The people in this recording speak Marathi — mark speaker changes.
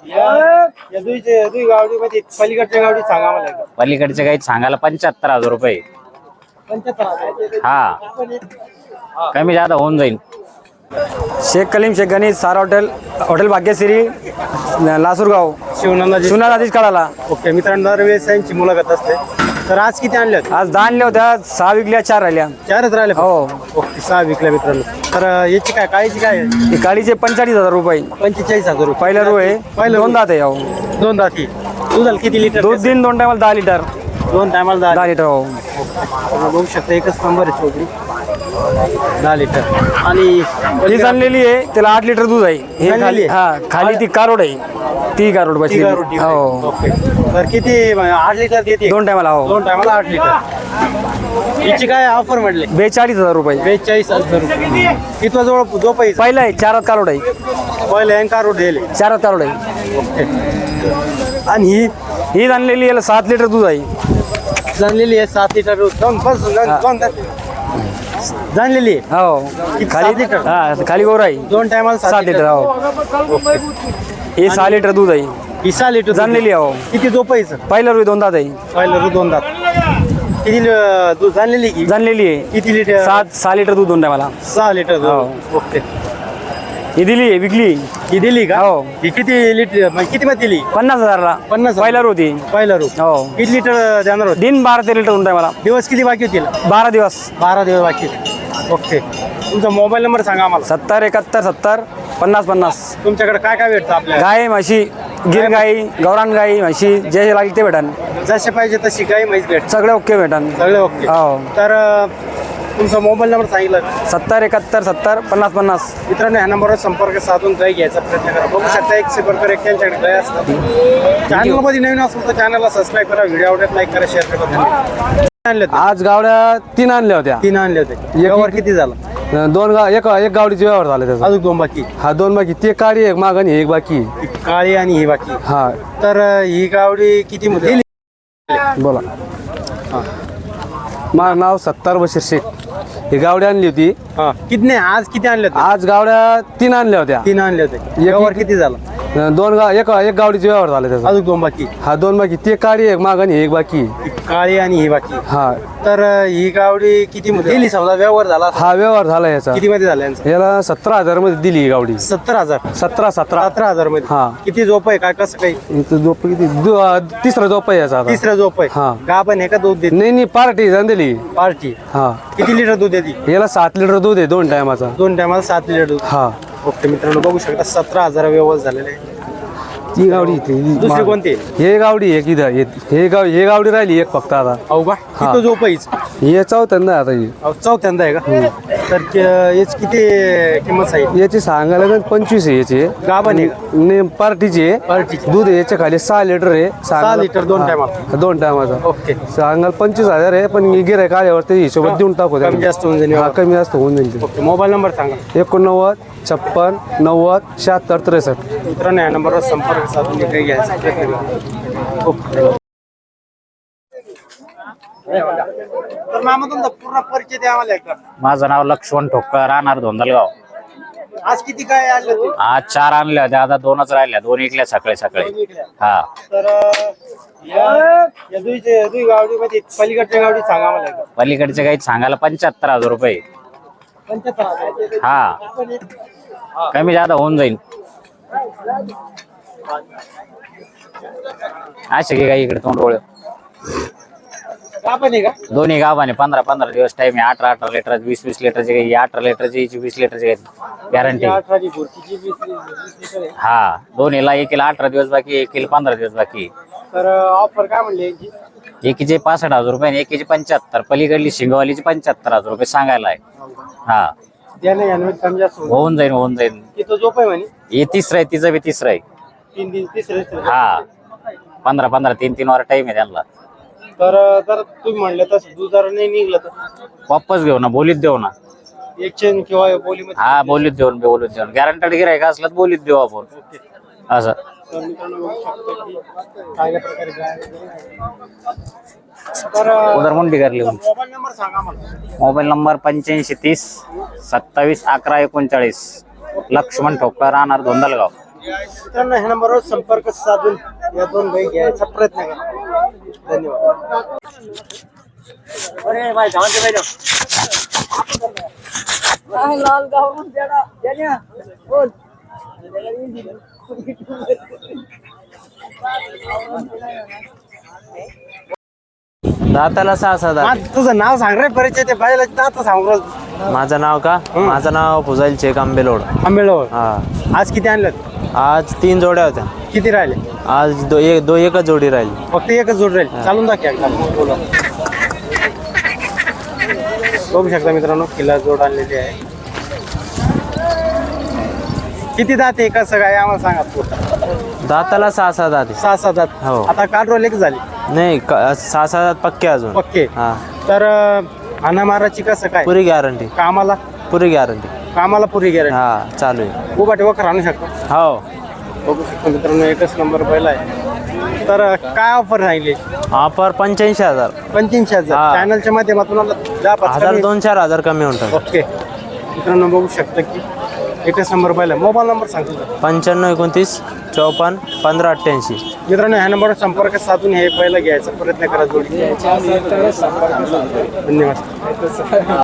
Speaker 1: गावडीमध्ये पलीकडच्या गावडी सांगा मला एकदा.
Speaker 2: पलीकडचे काही सांगायला 75,000 रुपये.
Speaker 1: 75,000.
Speaker 2: हा कमी जादा होऊन जाईल.
Speaker 3: शेख कलीम शेख गणेश सारा हॉटेल भाग्यश्री लासूरगाव शिवनाथ कळाला.
Speaker 1: ओके मित्रांनो, दरवेळेस यांची मुलाखत असते. तर आज किती आणल्या होत्या?
Speaker 3: आज 10 आणल्या होत्या, 6 विकल्या, 4 राहिल्या.
Speaker 1: 4च राहिले.
Speaker 3: हो.
Speaker 1: ओके 6 विकल्या मित्रांनो. तर याची काय काळीची काय आहे?
Speaker 3: ही काळीचे 45,000 रुपये.
Speaker 1: 45,000 रुपये.
Speaker 3: पहिला रो आहे.
Speaker 1: पहिलं
Speaker 3: दोन दात आहे. हो.
Speaker 1: 2 दाती. दुधाला किती लिटर?
Speaker 3: दूध दिन 2 टायमाला 10 लिटर.
Speaker 1: 2 टायमाला 10
Speaker 3: लिटर. हो.
Speaker 1: बघू शकता, एकच नंबर आहे चोकरी. 10 लिटर. आणि
Speaker 3: ही आणलेली आहे, त्याला 8 लिटर दूध आहे. हे खाली खाली ती कारोड आहे. ती कारोड बसली. हो.
Speaker 1: ओके. तर किती 8 लिटर देते?
Speaker 3: 2 टायमाला. हो.
Speaker 1: 2 टायमाला 8 लिटर. हिची काय ऑफर म्हटले?
Speaker 3: 42,000 रुपये.
Speaker 1: 42,000 रुपये. कितवा जो पैसा?
Speaker 3: पहिला आहे 4 कारोड आहे.
Speaker 1: पहिला अँकार दिले
Speaker 3: 4 कारोड आहे.
Speaker 1: ओके. आणि
Speaker 3: ही आणलेली याला 7 लिटर दूध आहे.
Speaker 1: जाणलेली आहे 7 लिटर दूध. जाणलेली आहे.
Speaker 3: हो.
Speaker 1: खाली लिटर.
Speaker 3: खाली गोर आहे.
Speaker 1: 2 टायमाला
Speaker 3: 7 लिटर. हो. हे 6 लिटर दूध आहे.
Speaker 1: 6 लिटर
Speaker 3: जाणलेली आहे. हो.
Speaker 1: किती जो पैसा?
Speaker 3: पहिला रुई 2 दात आहे.
Speaker 1: पहिलं दूध 2 दात. किती दूध जाणलेली की?
Speaker 3: जाणलेली आहे.
Speaker 1: किती लिटर?
Speaker 3: 6 लिटर दूध 2 टायमाला.
Speaker 1: 6 लिटर दूध.
Speaker 3: हो.
Speaker 1: ओके.
Speaker 3: ही दिली आहे, विकली.
Speaker 1: ही दिली का?
Speaker 3: हो.
Speaker 1: ही किती लिटर म्हणजे किती मध्ये दिली?
Speaker 3: 50,000ला.
Speaker 1: 50,000.
Speaker 3: पहिला रो होती.
Speaker 1: पहिला रू.
Speaker 3: हो.
Speaker 1: किती लिटर देणार होते?
Speaker 3: दिन 12 लिटर 2 टायमाला.
Speaker 1: दिवस किती बाकी होतील?
Speaker 3: 12 दिवस.
Speaker 1: 12 दिवस बाकी होते. ओके. तुमचा मोबाईल नंबर सांगा आम्हाला.
Speaker 3: 70 71 70 50 50.
Speaker 1: तुमच्याकडे काय काय भेटतं आपल्याला?
Speaker 3: गाय म्हशी, गिर गाई, गौरान गाई, म्हशी जे लागेल ते भेटन.
Speaker 1: जसे पाहिजे तशी गाय म्हैस भेट.
Speaker 3: सगळे ओके भेटन.
Speaker 1: सगळे ओके.
Speaker 3: हो.
Speaker 1: तर तुमचा मोबाईल नंबर सांगितलं.
Speaker 3: 70 71 70 50 50.
Speaker 1: मित्रांनो, ह्या नंबरवर संपर्क साधून गाय घ्यायचा प्रयत्न करा. बघू शकता 100 प्रकार एक त्यांच्याकडे गाय असतात. चॅनलमध्ये नवीन असेल तर चॅनलला सबस्क्राईब करा, व्हिडिओ आवडत लाईक करा, शेअर करा. धन्यवाद. आणले होते?
Speaker 3: आज गावड्या 3 आणल्या होत्या.
Speaker 1: 3 आणले होते. व्यवहार किती झाला?
Speaker 3: 2 एक गावडीचे व्यवहार झाले त्याचा.
Speaker 1: अजून 2 बाकी?
Speaker 3: हा 2 बाकी. ते काळी एक माग आणि एक बाकी.
Speaker 1: ही काळी आणि ही बाकी.
Speaker 3: हा.
Speaker 1: तर ही गावडी किती मध्ये?
Speaker 3: बोला. माझं नाव 70 बशीर शेख. ही गावडी आणली होती.
Speaker 1: हा. किती नाही, आज किती आणले होते?
Speaker 3: आज गावड्या 3 आणल्या होत्या.
Speaker 1: 3 आणले होते. व्यवहार किती झाला?
Speaker 3: 2 एक गावडीचे व्यवहार झाले त्याचा.
Speaker 1: अजून 2 बाकी?
Speaker 3: हा 2 बाकी. ते काळी एक माग आणि एक बाकी.
Speaker 1: ही काळी आणि ही बाकी.
Speaker 3: हा.
Speaker 1: तर ही गावडी किती मध्ये दिली? समजा व्यवहार झाला.
Speaker 3: हा व्यवहार झाला याचा.
Speaker 1: किती मध्ये झाला यांचा?
Speaker 3: याला 17,000 मध्ये दिली ही गावडी.
Speaker 1: 17,000.
Speaker 3: 17
Speaker 1: 17,000 मध्ये.
Speaker 3: हा.
Speaker 1: किती झोप आहे? काय कसं काही?
Speaker 3: इथं झोप किती? तिसरा झोप आहे याचा आता.
Speaker 1: तिसरा झोप आहे.
Speaker 3: हा.
Speaker 1: गाभण आहे का दूध देते?
Speaker 3: नाही पार्टी जाण दिली.
Speaker 1: पार्टी.
Speaker 3: हा.
Speaker 1: किती लिटर दूध देते?
Speaker 3: याला 7 लिटर दूध आहे 2 टायमाचा.
Speaker 1: 2 टायमाला 7 लिटर दूध.
Speaker 3: हा.
Speaker 1: ओके मित्रांनो, बघू शकता 17,000 व्यवहार झालेले आहे.
Speaker 3: ती गावडी इथे.
Speaker 1: दुसरी कोणती?
Speaker 3: हे गावडी एक इथं हे गावडी राहिली एक फक्त आता.
Speaker 1: अहो का? किती झोप आहे?
Speaker 3: हे चौथ्यांदा आता ही.
Speaker 1: चौथ्यांदा आहे का? तर याची किती किंमत आहे?
Speaker 3: याची सांगायला लागेल 25 आहे याची.
Speaker 1: गाभण आहे का?
Speaker 3: ने पार्टीची आहे.
Speaker 1: पार्टीची.
Speaker 3: दूध आहे याच्या खाली 6 लिटर आहे.
Speaker 1: 6 लिटर 2 टायमाला.
Speaker 3: 2 टायमाचा.
Speaker 1: ओके.
Speaker 3: सांगाल 25,000 आहे, पण गिऱ्हाईक आल्यावरती हिशोबात देऊन टाकू.
Speaker 1: कमी जास्त होऊन जाईल.
Speaker 3: हा कमी जास्त होऊन जाईल.
Speaker 1: ओके. मोबाईल नंबर सांगा.
Speaker 3: 89 56 90 76 63.
Speaker 1: मित्रांनो, या नंबरवर संपर्क साधून काही घ्यायचा प्रयत्न करा. ओके. तर मामा तुमचा पूर्ण परिचय द्या आम्हाला एकदा.
Speaker 2: माझं नाव लक्ष्मण ठोकर, राहणार धोंदलगाव.
Speaker 1: आज किती काय आणले होते?
Speaker 2: आज 4 आणल्या होत्या, आता 2च राहिल्या. 2 इकल्या सकाळी. हा.
Speaker 1: तर या दुई गावडीमध्ये पलीकडच्या गावडी सांगा आम्हाला एकदा.
Speaker 2: पलीकडचे काही सांगायला 75,000 रुपये.
Speaker 1: 75,000.
Speaker 2: हा कमी जादा होऊन जाईल. असे की काही इकडे तोंड
Speaker 1: गाभण आहे का?
Speaker 2: दोन्ही गावाने 15-15 दिवस टाइम आहे. 18-18 लिटर 20-20 लिटरचे काही. 18 लिटरचे 20 लिटरचे गॅरंटी.
Speaker 1: 18 ची भरतीची 20 लिटर आहे.
Speaker 2: हा. दोन्हीला एकीला 18 दिवस बाकी, एकीला 15 दिवस बाकी.
Speaker 1: तर ऑफर काय म्हणले यांची?
Speaker 2: एकीचे 65,000 रुपये आणि एकीचे 75. पलीकडली शिंगवालीची 75,000 रुपये सांगायला आहे. हा.
Speaker 1: द्याने यानमध्ये कमी जास्त
Speaker 2: होऊन जाईल.
Speaker 1: तिथं झोप आहे म्हणे.
Speaker 2: हे तिसरं आहे, तिचं बी तिसरं आहे.
Speaker 1: 3 दिन तिसरे.
Speaker 2: हा. 15-15 3-3 वर टाइम आहे त्यांना.
Speaker 1: तर जर तुम्ही म्हणलं तर दूध जर नाही निघलं तर
Speaker 2: वापस घेऊ ना, बोलीत देऊ ना.
Speaker 1: एक्सचेंज किंवा बोलीमध्ये?
Speaker 2: हा बोलीत देऊन गॅरंटेड गिरायक असलं तर बोलीत देऊ आपण. असं.
Speaker 1: तर मित्रांनो, बघू शकता की चांगल्या प्रकारे गाय. तर
Speaker 2: उदरमुंडी करली.
Speaker 1: मोबाईल नंबर सांगा मला.
Speaker 2: Mobile number 85 30 27 11 39. लक्ष्मण ठोकर, राहणार धोंदलगाव.
Speaker 1: मित्रांनो ह्या नंबरवर संपर्क साधून या 2 गाई घ्यायचा प्रयत्न करा. धन्यवाद.
Speaker 4: दाताला 6-7 दात.
Speaker 1: तुझं नाव सांग रे, परिचय ते बायला दात सांगू राहिलो.
Speaker 4: माझं नाव का? माझं नाव फुजाईल शेख आंबेलोड.
Speaker 1: आंबेळवर.
Speaker 4: हा.
Speaker 1: आज किती आणलं?
Speaker 4: आज 3 जोड्या होत्या.
Speaker 1: किती राहिले?
Speaker 4: आज एकच जोडी राहिली.
Speaker 1: फक्त एकच जोड राहील. चालून दाखव एकदा. बोला. बघू शकता मित्रांनो, किल्ला जोड आणलेली आहे. किती दात आहे कसं काय आम्हाला सांगा.
Speaker 4: दाताला 6-7 दात आहे.
Speaker 1: 6-7 दात.
Speaker 4: हो.
Speaker 1: आता काल रोल एक झाली
Speaker 4: नाही 6-7 दात पक्के अजून.
Speaker 1: पक्के.
Speaker 4: हा.
Speaker 1: तर अनामाराची कसं काय?
Speaker 4: पुरी गॅरंटी.
Speaker 1: कामाला
Speaker 4: पुरी गॅरंटी.
Speaker 1: कामाला पुरी गॅरंटी.
Speaker 4: हा चालू आहे.
Speaker 1: उभा ठेवा आणू शकतो.
Speaker 4: हो.
Speaker 1: बघू शकतो मित्रांनो, एकच नंबर पहिला आहे. तर काय ऑफर राहिली?
Speaker 4: ऑफर 85,000.
Speaker 1: 85,000.
Speaker 4: हा.
Speaker 1: चॅनलच्या माध्यमातून
Speaker 4: 1,000-2,000 कमी होतात.
Speaker 1: ओके मित्रांनो, बघू शकता की एकच नंबर पहिला. मोबाईल नंबर सांगतो.
Speaker 4: 9529 54 1588.
Speaker 1: मित्रांनो ह्या नंबरवर संपर्क साधून हे पहिला घ्यायचा प्रयत्न करा. जोडी. धन्यवाद.